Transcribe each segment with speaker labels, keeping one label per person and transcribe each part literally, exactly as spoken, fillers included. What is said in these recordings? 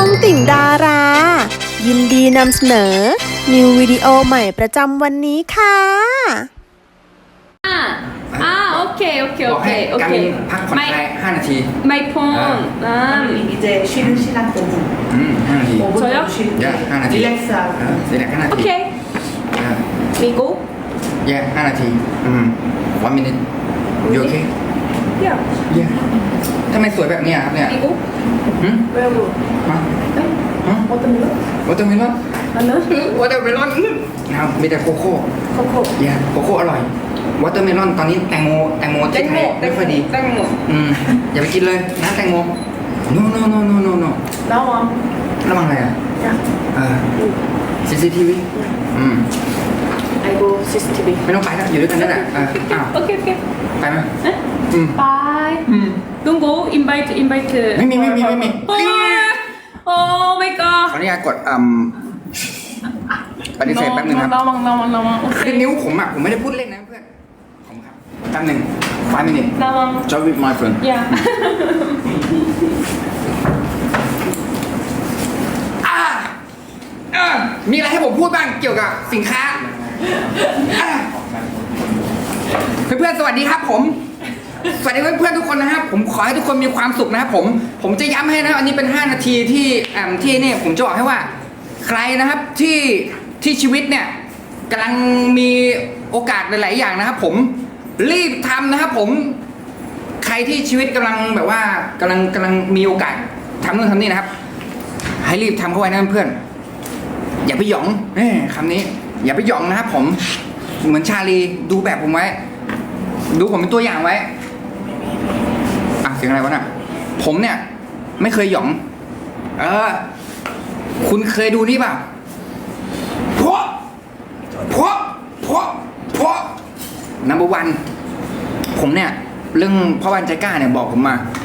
Speaker 1: องติ่งดารา ยินดีนำเสนอ นิววิดีโอใหม่ประจำวันนี้ค่ะ
Speaker 2: อ่าอ่าโอเคโอเค
Speaker 3: บ
Speaker 2: โอ
Speaker 3: อก
Speaker 2: เค
Speaker 3: ให้
Speaker 2: โอ
Speaker 3: การ
Speaker 2: เค
Speaker 3: พักผ่อนคลายห้านาที
Speaker 2: ไม่พอนอ่า
Speaker 4: 이제 쉬는 시간 오 분.
Speaker 3: อืมห้านาที
Speaker 4: 오 분
Speaker 2: 저요?
Speaker 4: 정도 쉬는
Speaker 3: 야, 하나 뒤.
Speaker 4: 릴렉스하고.
Speaker 3: เออเสียแหละห้านา
Speaker 2: โอ
Speaker 3: ที
Speaker 2: เค
Speaker 3: อ่า
Speaker 2: มีกู
Speaker 3: แย่ห้านาทีอืม one minute you okay
Speaker 2: เดี๋ยว
Speaker 3: แย่ทำไมสวยแบบเนี้ยครับเนี่ย
Speaker 2: มีกู
Speaker 3: หืม
Speaker 4: 왜요?
Speaker 3: ฮะฮะ
Speaker 4: 어떤 거?
Speaker 3: วอเตอร์เมลอน
Speaker 2: อันนั้น
Speaker 3: วอเตอร์เมลอนนะครับมีแต่โคโค่
Speaker 2: โคโค่
Speaker 3: แย่โคโค่อร่อยวอเตอร์เมลอนตอนนี้แตงโมแตงโม
Speaker 2: แต
Speaker 3: ที่
Speaker 2: ง
Speaker 3: ไท
Speaker 2: โม
Speaker 3: ยไม่ค่อยดี
Speaker 2: แตงโม
Speaker 3: อืมอย่าไปกินเลยนะแตงโม no no no no no no
Speaker 4: 나와.
Speaker 3: ระวังอะไรอ่ะ
Speaker 4: 야.
Speaker 3: เออ ซี ซี ที วี อืม
Speaker 4: 아이고 씨씨티비.
Speaker 3: ไม่ต้องไปแล้วอยู่ด้วยกันนั่นแหละเอออ้าว
Speaker 2: โอเคโอเค
Speaker 3: ไปไหม
Speaker 2: เอ๊ะ
Speaker 3: อืม
Speaker 2: bye
Speaker 3: อืม
Speaker 2: don't go invite invite
Speaker 3: ไม่มีไม่มีไม่มี
Speaker 2: โอ้ยโอ้ my
Speaker 3: ข
Speaker 2: god
Speaker 3: ออนุญาตกดอืมปฏิเสธแป๊บนึงครับ
Speaker 2: ระวังระวังระวังโอเค
Speaker 3: คือนิ้วผมอ่ะ ผมไม่ได้พูดเล่นนะเพื่อนผมครับแป๊บหนึ่ง five minutes
Speaker 2: ระวัง
Speaker 3: join with my friend
Speaker 2: อย่า
Speaker 3: อ่าอ่ามีอะไรให้ผมพูดบ้างเกี่ยวกับสินค้าอ่าเพื่อนๆสวัสดีครับผม สวัสดีเพื่อนๆทุกคนนะครับ ผมขอให้ทุกคนมีความสุขนะครับผม ผมจะย้ำให้นะอันนี้เป็นห้านาทีที่อ่าที่นี่ผมจะบอกให้ว่า ใครนะครับที่ที่ชีวิตเนี่ยกำลังมีโอกาสหลายๆอย่างนะครับ ผมรีบทำนะครับ ผมใครที่ชีวิตกำลังแบบว่ากำลังกำลังมีโอกาสทำนู่นทำนี่นะครับ ให้รีบทำเข้าไว้นะเพื่อนอย่าไปหยองเอ้ยคำนี้ อย่าไปหยองนะครับ ผมเหมือนชาลีดูแบบผมไว้ ดูผมเป็นตัวอย่างไว้อ่ะเสียงอะไรวะน่ะผมเนี่ย ไม่เคยหยอง เออ คุณเคยดูนี่เปล่าพวกพวกพวกพวกนัมเบอร์วันผมเนี่ย เรื่องพ่อบ้านใจกล้าเนี่ยบอกผมมา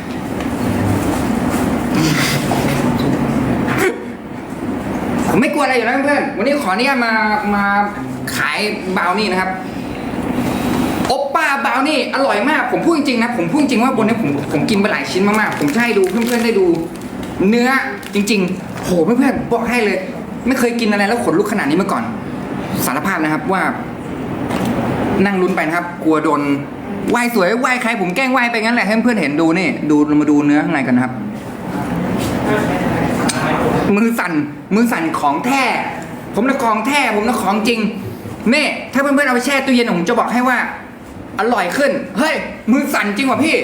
Speaker 3: ผมไม่กลัวอะไรอยู่แล้วเพื่อนวันนี้ขออนุญาตมามาขายบราวนี่นะครับโอปป้าบราวนี่อร่อยมากผมพูดจริงๆนะผมพูดจริงว่าบนนี้ผมผมกินไปหลายชิ้นมากๆผมจะให้ดูเพื่อนๆได้ดู เนื้อจริงๆโหเพื่อนๆบอกให้เลย ไม่เคยกินอะไรแล้วขนลุกขนาดนี้มาก่อนสารภาพนะครับว่า นั่งลุ้นไปนะครับ กลัวโดนไหว้สวยไหว้ใครผมแกล้งไหว้ไปงั้นแหละให้เพื่อนๆเห็นดูนี่ดูเรามาดูเนื้อข้างในกันนะครับ มือสั่นมือสั่นของแท้ผมนะของแท้ผมนะของจริงนี่ถ้าเพื่อนๆเอาไปแช่ตู้เย็นผมจะบอกให้ว่า อร่อยขึ้นเฮ้ยมือสั่นจริงว่ะพี่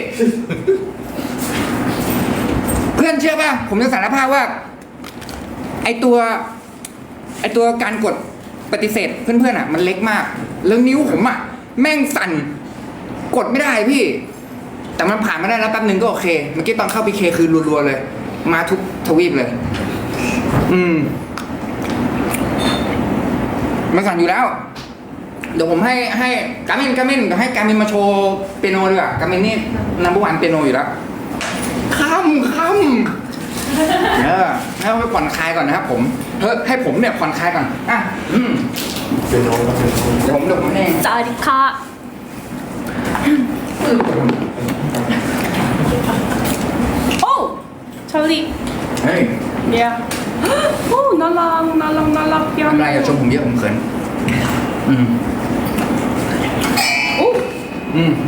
Speaker 3: เพื่อนเชื่อป่ะผมจะสารภาพว่า ไอตัวไอตัวการกดปฏิเสธเพื่อนๆอ่ะ มันเล็กมากแล้วนิ้วผมอ่ะแม่งสั่นกดไม่ได้พี่ แต่มันผ่านมาได้แล้วแป๊บนึงก็โอเคเมื่อกี้ตอนเข้าพีเคคือรัวๆเลย มาทุกทวีปเลย อืมมันสั่นอยู่แล้ว เดี๋ยวผมให้ให้กามินกามินเดี๋ยวให้กามินมาโชว์เปียโนดีกว่ากามินนี่นัมเบอร์วันเปียโนอยู่แล้วค่ำค่ำเออให้เขาไปผ่อนคลายก่อนนะครับผมเฮ้ยให้ผมเนี่ยผ่อนคลายก่อนอ่ะอืมเปียโนก็เปียโนเดี๋ยวผมเดี๋ยวผมเอง
Speaker 2: สวัสดีค่ะโอ้ชาลี
Speaker 3: เฮ้ย
Speaker 2: เดี๋ยวโอ้น่ารักน่ารักน่ารักเย
Speaker 3: ทำไรอย่าชมผมเยอะผมเขินอืม
Speaker 2: โอ้
Speaker 3: อืม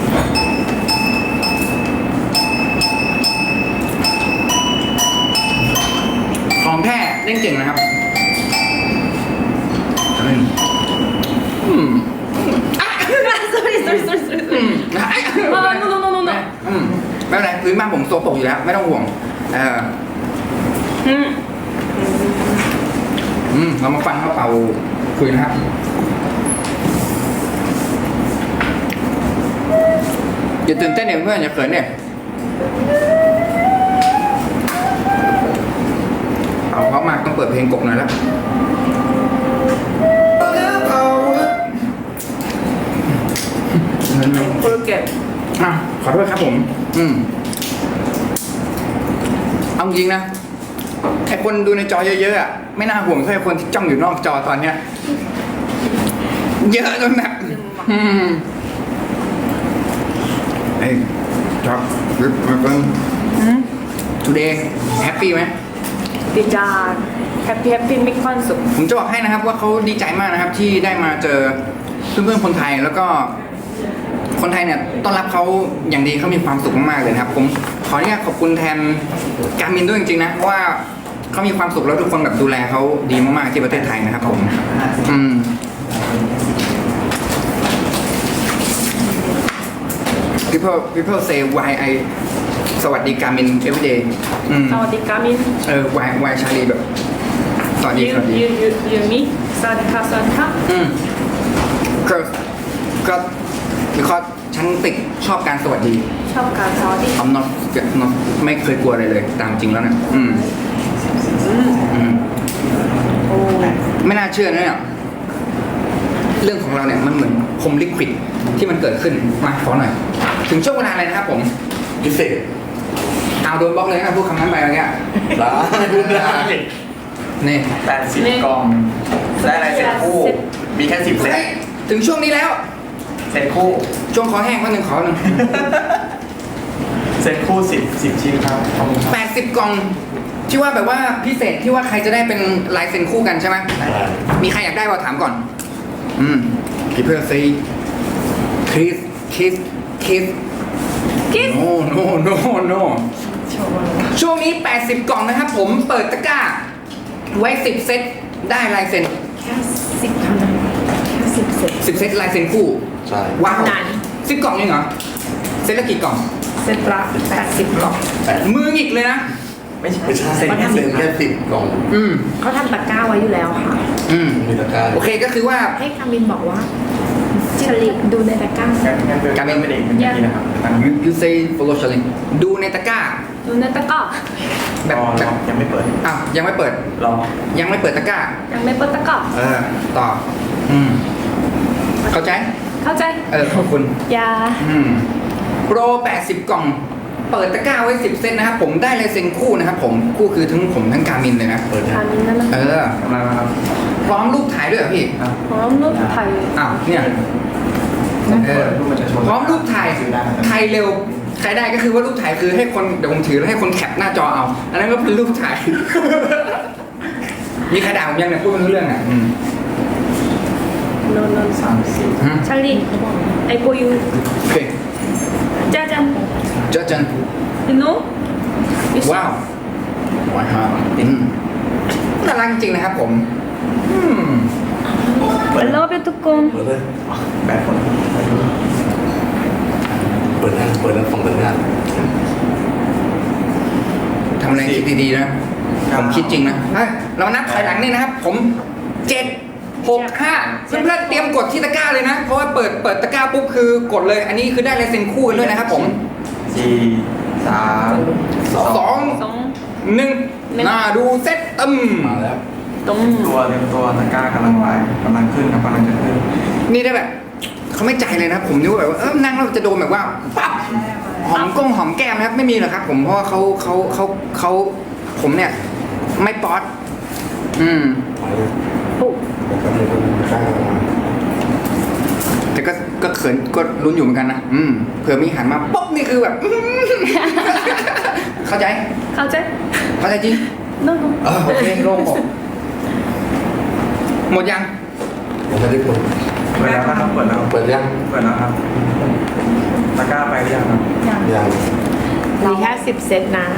Speaker 3: ของแท้เล่นเก่งนะครับอืมอืม
Speaker 2: sorry sorry sorry sorry
Speaker 3: อืม
Speaker 2: อ่า no no no no no
Speaker 3: อืมไม่เป็นไรพื้นบ้านผมโซปรกอยู่แล้ว ไม่ต้องห่วง เออ
Speaker 2: อืม
Speaker 3: อืม เรามาฟังเขาเป่าคุยนะครับ อย่าตื่นเต้นเนี่ยเพื่อนอย่าเขินเนี่ยเอาเขามาต้องเปิดเพลงกบหน่อยแล้ว
Speaker 2: forget
Speaker 3: อ่ะขอโทษครับผม อืม เอาจริงนะไอคนดูในจอเยอะๆอ่ะไม่น่าห่วงเท่าไอคนที่จ้องอยู่นอกจอตอนเนี้ย เยอะจนแบบอืมเฮ้ยชอบริปมาเพิ่ง today happy ไหม
Speaker 4: ดีจ้าแฮปปี้แฮปปี้มีความสุข
Speaker 3: ผมจะบอกให้นะครับว่าเขาดีใจมากนะครับที่ได้มาเจอเพื่อนๆคนไทยแล้วก็คนไทยเนี่ยต้อนรับเขาอย่างดีเขามีความสุขมากๆเลยนะครับ ผมขออนุญาตขอบคุณแทนการมินด้วยจริงๆนะเพราะว่าเขามีความสุขแล้วทุกคนแบบดูแลเขาดีมากๆที่ประเทศไทยนะครับผมอืม people people say why I สวัสดีการมิน every day อืม
Speaker 4: สวัสดีกามิน
Speaker 3: เออ why why ชาลีแบบสวัสดี
Speaker 4: you
Speaker 3: สวัสดี
Speaker 4: you you you me สวัสดีค่ะสวัสดีค่ะ
Speaker 3: อืมก็ก็คือข้อฉันติดชอบการสวัสดี
Speaker 4: ชอบการสวัสดี
Speaker 3: I'm not not ไม่เคยกลัวอะไรเลย ตามจริงแล้วเนี่ยอืม
Speaker 4: อืม
Speaker 3: อืม
Speaker 4: โอ้
Speaker 3: ไม่น่าเชื่อนะเนี่ยเรื่องของเราเนี่ยมันเหมือนพรมลิควิดที่มันเกิดขึ้นมาขอหน่อย ถึงช่วงเวลาอะไรนะครับผมพิเศษเอาโดนบล็อกเลยนะพูดคำนั้นไปเมื่อกี้
Speaker 5: ร้านพูดได้
Speaker 3: นี่
Speaker 5: แปดสิบกล่องได้อะไรเสร็จคู่ มีแค่สิบเซต
Speaker 3: เฮ้ยถึงช่วงนี้แล้ว
Speaker 5: เสร็จคู่
Speaker 3: ช่วงขอแห้งวันหนึ่งขอหนึ่ง
Speaker 5: เสร็จคู่สิบสิบชิ้นครับขอบคุณครับ
Speaker 3: แปดสิบกล่องที่ว่าแบบว่าพิเศษที่ว่าใครจะได้เป็นลายเซ็นคู่กันใช่ไหมมีใครอยากได้บ่าถามก่อน อืม people say kiss kiss kiss
Speaker 4: kiss
Speaker 3: no no no no ช่วงนี้แปดสิบกล่องนะครับผมเปิดตะกร้า ไว้สิบเซตได้ลายเซ็น
Speaker 4: แค่สิบเท่านั้นแค่สิบเซต
Speaker 3: สิบเซตลายเซ็นคู่
Speaker 5: ใช่
Speaker 3: ว้าว
Speaker 4: นาน
Speaker 3: สิบกล่องเองเหรอเซตละกี่กล่อง
Speaker 4: เซตละแปดสิบกล่อง
Speaker 5: แปด
Speaker 3: มือหงิกเลยนะ
Speaker 5: ไม่ใช่ไม่ใช่เซ็นแค่เซ็นแค่สิบกล่อง
Speaker 3: อืม
Speaker 4: เขาทำตะกร้าไว้อยู่แล้วค่ะ
Speaker 3: อืม
Speaker 5: มีตะกร้า
Speaker 3: โอเคก็คือว่า
Speaker 4: ให้คามินบอกว่าชลิดูในตะกร้า
Speaker 5: งั้นงั้นเดิน
Speaker 3: การเป็น
Speaker 5: ไม่ได้เป็นอย่างนี้นะครับ
Speaker 3: you you say follow challenge ดูในตะกร้า
Speaker 4: ดูในตะกร้า
Speaker 3: แบบ
Speaker 5: รอ
Speaker 3: แบบ
Speaker 5: ยังไม่เปิด
Speaker 3: อ้าวยังไม่เปิด
Speaker 5: รอ
Speaker 3: ยังไม่เปิดตะกร้า
Speaker 4: ยังไม่เปิดตะกร้า
Speaker 3: เออ ต่อ อืม เข้าใจ
Speaker 4: เข้าใจ
Speaker 3: เออ ขอบคุณ
Speaker 4: ยา
Speaker 3: อืมโปรแปดสิบกล่อง เปิดตะกร้าไว้สิบเซตนะครับผมได้ลายเซ็นคู่นะครับผม คู่คือทั้งผมทั้งการมินเลยนะ
Speaker 5: เปิดยั
Speaker 4: คาง มินนั่นนะ
Speaker 3: เออ
Speaker 5: กำลังนะครับ
Speaker 3: พร้อมรูปถ่ายด้วยเหรอพี่
Speaker 5: อ่ะ
Speaker 4: พร้อมรูปไทย
Speaker 3: อ้าว เนี่ย เออ
Speaker 5: รูปมันจะโชว์
Speaker 3: พร้อมรูปถ่าย ถ่ายเร็ว ใครได้ก็คือว่ารูปถ่ายคือให้คน เดี๋ยวผมถือแล้วให้คนแคปหน้าจอเอา อันนั้นก็เป็นรูปถ่าย มีใครด่าผมยังเนี่ยพูดไม่รู้เรื่องอ่ะอืม
Speaker 4: โนนนสามสี่
Speaker 3: อืม
Speaker 4: ชาลีไอโกยู
Speaker 3: โอเค
Speaker 4: จ้าจัง
Speaker 3: เจอจัน
Speaker 4: you know
Speaker 3: ว้าวว้าวอืมน่ารักจริงๆนะครับผม อืม
Speaker 4: I love you ทุกคน
Speaker 5: เปิดเลยแปดคนเปิดหน้าเปิดหน้าฝั่งเปิดหน้า
Speaker 3: ทำอะไรคิดดีๆนะ ผมคิดจริงนะเฮ้ยเรานับถอยหลังนี่นะครับ ผมเจ็ดหกห้าเพื่อนๆเตรียมกดที่ตะกร้าเลยนะ เพราะว่าเปิดเปิดตะกร้าปุ๊บคือกดเลย อันนี้คือได้ลายเซ็นคู่กันด้วยนะครับผม
Speaker 5: สี่สามสอง
Speaker 3: สอง
Speaker 4: สอง
Speaker 3: หนึ่งน่าดูเซ็ตตึม
Speaker 5: มาแล้ว
Speaker 4: ตรง
Speaker 5: ตัวเต็มตัวตะกร้ากำลังไปกำลังขึ้นครับกำลังจะขึ้น
Speaker 3: นี่ได้แบบเขาไม่ใจเลยนะ ผมนึกว่าแบบว่าเออนั่งแล้วจะโดนแบบว่าปั๊บหอมก้งหอมแก้มนะครับไม่มีหรอกครับ ผมเพราะว่าเขาเขาเขาเขาผมเนี่ย ไม่ป๊อตอืม
Speaker 4: ปุ๊บ
Speaker 3: แต่ก็ก็เขินก็ลุ้นอยู่เหมือนกันนะอืมเผื่อมีหันมาปุ๊บนี่คือแบบ อื้อเข้าใจ
Speaker 4: เข้าใจ
Speaker 3: เข้าใจจริง
Speaker 4: no no
Speaker 3: เออโอเคโล่งอกหมดยัง
Speaker 5: ผมไม่ได้เปิดเปิดแล้วครับเปิดแล้วเปิดยังเปิดแล้วครับตะกร้าไปหรือยังครับยัง
Speaker 4: มีแค่สิบเซตนะ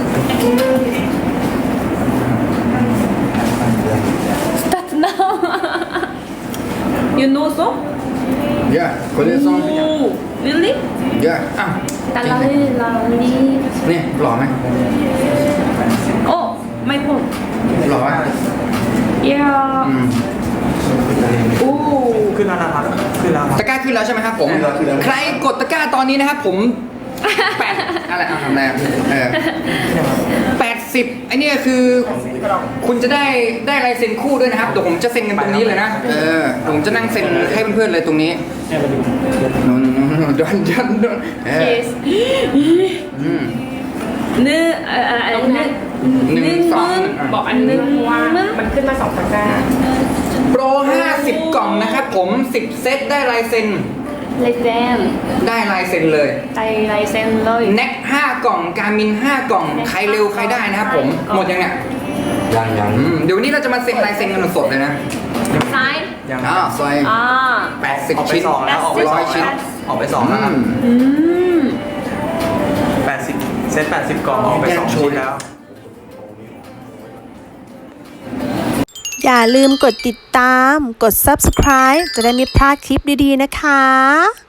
Speaker 4: start now you know so
Speaker 3: เยอะคนเล่นซอง
Speaker 4: oh really
Speaker 3: เยอะอ่ะ
Speaker 4: ตา
Speaker 3: จริง
Speaker 4: ลา
Speaker 3: ไหม
Speaker 4: ลีลาลี
Speaker 3: เนี่ยหล่อไหม
Speaker 4: โอ้ไม่พอ
Speaker 3: หล่อไหม
Speaker 4: yeah
Speaker 3: อืม
Speaker 4: โอ้
Speaker 5: ขึ้นแล้วนะครับขึ้นแล้วครับ
Speaker 3: ตะกร้าขึ้นแล้วใช่ไหมครับผม
Speaker 5: ขึ้นแล้วขึ้นแล้ว
Speaker 3: ใครกดตะกร้าตอนนี้นะครับผมแปดอะไรเอาทำอะไรอ่ะเออแปดสิบไอเนี่ยคือ คุณจะได้ได้ลายเซ็นคู่ด้วยนะครับเดี๋ยวผมจะเซ็นกันตรงนี้เลยนะเออเดี๋ยวผมจะนั่งเซ็นให้เพื่อนๆเลยตรงนี้โนโนโนโนดอนดอนดอนเออ
Speaker 4: yes
Speaker 3: อืม
Speaker 4: หนึ่งเอ่อเอ่อหนึ่ง
Speaker 3: หนึ่งสอง
Speaker 4: บอกอันหนึ่งว่ามันขึ้นมาสองตะกร้า
Speaker 3: โปรห้าสิบกล่องนะครับผมสิบเซตได้ลายเซ็น
Speaker 4: ลายเซ็น
Speaker 3: ได้ลายเซ็นเลย
Speaker 4: ใจลายเซ็นเลย
Speaker 3: แน็กห้ากล่องการมินห้ากล่องใครเร็วใครได้นะครับผมหมดยังเนี่ย
Speaker 5: ยังยัง
Speaker 3: อืมเดี๋ยววันนี้เราจะมาเซ็นลายเซ็นกันสดๆเลยนะ
Speaker 2: Sign
Speaker 5: ยัง
Speaker 3: อ้าวซอย
Speaker 2: อ่า
Speaker 3: แปดสิบ
Speaker 5: ออกไป
Speaker 3: ชิ้น
Speaker 5: สองแล้วออกไปส
Speaker 3: ร้
Speaker 5: อ
Speaker 3: อง ยชิ้น
Speaker 5: แล้วออกไปสองแล้วครับ
Speaker 2: อืม
Speaker 5: แปดสิบเซตแปดสิบกล่องออกไปสองชิ้นแล้ว
Speaker 1: อย่าลืมกดติดตาม กด ซับสไครบ์ จะได้ไม่พลาดคลิปดีๆนะคะ